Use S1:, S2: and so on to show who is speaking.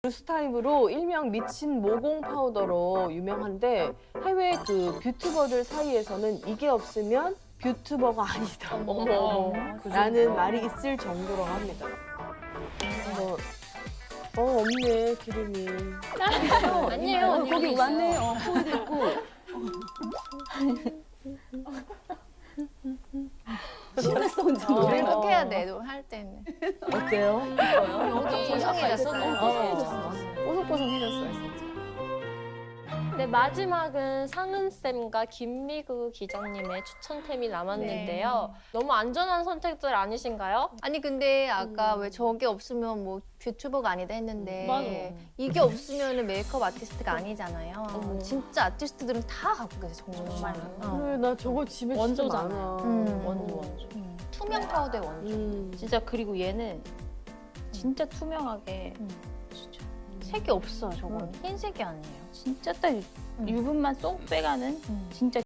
S1: 루스 타입으로 일명 미친 모공 파우더로 유명한데 해외 그 뷰튜버들 사이에서는 이게 없으면 뷰튜버가 아니다. 라는 말이 있을 정도라고 합니다. 없네 기름이.
S2: 아니에요. 언니
S3: 거기 왔네. 소리도 있고. 신났어 혼자.
S2: 노래를 해야 돼. 할 때는.
S1: 어때요?
S2: 여기 보송해졌어.
S1: 뽀송뽀송해졌어요 진짜.
S4: 네, 마지막은 상은쌤과 김미구 기자님의 추천템이 남았는데요. 너무 안전한 선택들 아니신가요?
S2: 아니 근데 아까 왜 저게 없으면 뭐 뷰튜버가 아니다 했는데
S4: 맞아.
S2: 이게 없으면 메이크업 아티스트가 아니잖아요. 진짜 아티스트들은 다 갖고 계세요 정말로.
S1: 그래, 나 저거 집에 진짜
S4: 원조잖아.
S1: 많아.
S4: 원조.
S2: 투명 파우더의 원조.
S4: 진짜 그리고 얘는 진짜 투명하게 진짜
S2: 색이 없어요 저건. 흰색이 아니에요.
S4: 진짜 딱 유분만 쏙 빼가는 진짜